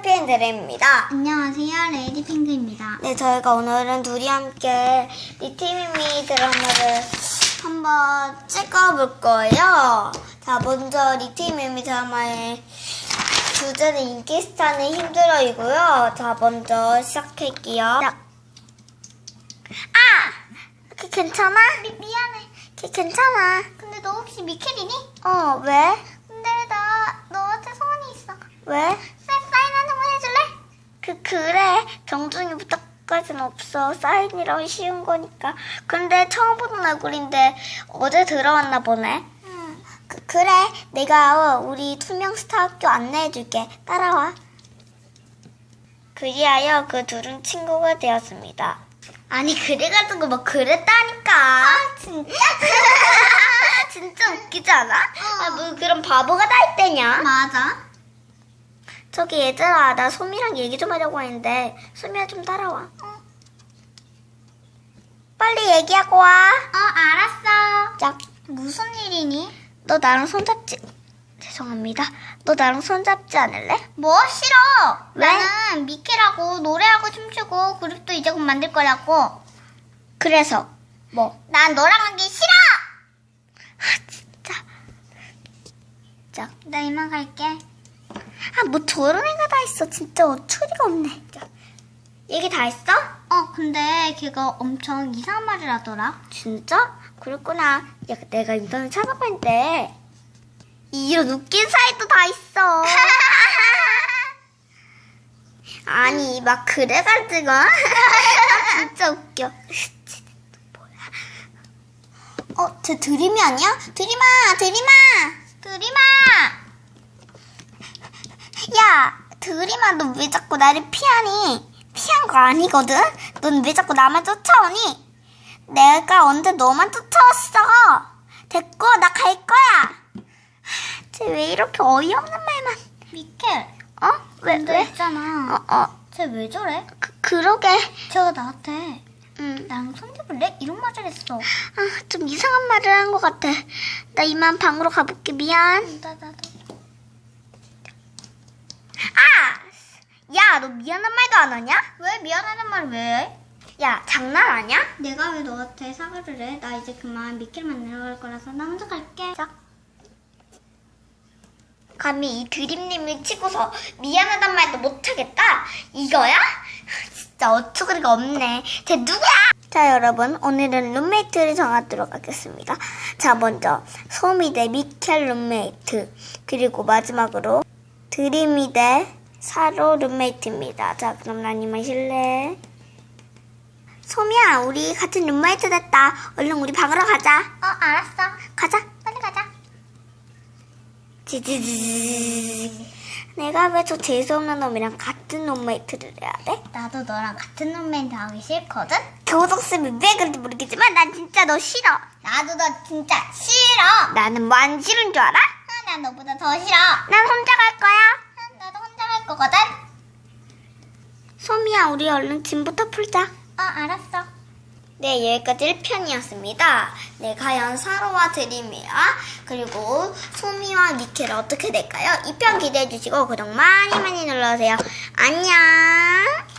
해피앤드림입니다. 안녕하세요, 레이디핑크입니다. 네, 저희가 오늘은 둘이 함께 리티미미 드라마를 한번 찍어볼 거예요. 자, 먼저 리티미미 드라마의 주제는 인기스타는 힘들어이고요. 자, 먼저 시작할게요. 자. 걔 괜찮아? 미안해. 걔 괜찮아. 근데 너 혹시 미켈이니? 왜? 근데 나 너한테 소원이 있어. 왜? 사인 한 번만 해줄래? 그래. 정중이부터까지는 없어. 사인이라고 쉬운 거니까. 근데 처음 보는 얼굴인데 어제 들어왔나 보네. 응. 그래. 내가 우리 투명 스타 학교 안내해줄게. 따라와. 그리하여 그 둘은 친구가 되었습니다. 아니, 그래가지고 뭐 그랬다니까. 진짜? 진짜 웃기지 않아? 뭐 그런 바보가 다 있대냐? 맞아. 저기 얘들아, 나 소미랑 얘기 좀 하려고 했는데 소미야 좀 따라와. 빨리 얘기하고 와. 알았어. 자, 무슨 일이니? 너 나랑 손잡지? 죄송합니다. 너 나랑 손잡지 않을래? 뭐 싫어. 왜? 나는 미켈하고 노래하고 춤추고 그룹도 이제 곧 만들 거라고. 그래서 뭐? 난 너랑 하기 싫어. 진짜. 자, 나 이만 갈게. 뭐 저런 애가 다 있어. 진짜 어처리가 없네. 자, 얘기 다 했어? 근데 걔가 엄청 이상한 말을 하더라. 진짜? 그랬구나. 야, 내가 인터넷 찾아봤는데 이런 웃긴 사이도 다 있어. 아니, 막 그래가지고. 진짜 웃겨. 쟤 드림이 아니야? 드림아! 야, 드림아, 너 왜 자꾸 나를 피하니? 피한 거 아니거든? 넌 왜 자꾸 나만 쫓아오니? 내가 언제 너만 쫓아왔어? 됐고, 나 갈 거야. 쟤 왜 이렇게 어이없는 말만. 미켈. 왜? 있잖아. 쟤 왜 저래? 그러게. 쟤가 나한테 응. 나랑 손잡을래? 이런 말을 했어. 좀 이상한 말을 한 것 같아. 나 이만 방으로 가볼게. 미안. 나도. 야, 너 미안한 말도 안 하냐? 왜 미안하단 말 왜 해? 야, 장난 아니야? 내가 왜 너한테 사과를 해? 나 이제 그만 미켈 만나러 갈 거라서 나 혼자 갈게. 자. 감히 이 드림님을 치고서 미안하단 말도 못하겠다? 이거야? 진짜 어처구니가 없네. 쟤 누구야? 자, 여러분, 오늘은 룸메이트를 정하도록 하겠습니다. 자, 먼저 소미 대 미켈 룸메이트, 그리고 마지막으로 드림이 대 사로 룸메이트입니다. 자, 그럼 난 이만 실례. 소미야, 우리 같은 룸메이트 됐다. 얼른 우리 방으로 가자. 알았어. 가자. 빨리 가자. 지지지지. 내가 왜 저 재수없는 놈이랑 같은 룸메이트를 해야 돼? 나도 너랑 같은 룸메이트 하기 싫거든? 교독쌤이 왜 그런지 모르겠지만 난 진짜 너 싫어. 나도 너 진짜 싫어. 나는 뭐 안 싫은 줄 알아? 난 너보다 더 싫어. 난 혼자 갈 거야. 나도 혼자 갈 거거든? 소미야, 우리 얼른 짐부터 풀자. 알았어. 네, 여기까지 1편이었습니다. 네, 과연 사로와 드림이와 그리고 소미와 미켈 어떻게 될까요? 2편 기대해주시고 구독 많이 눌러주세요. 안녕.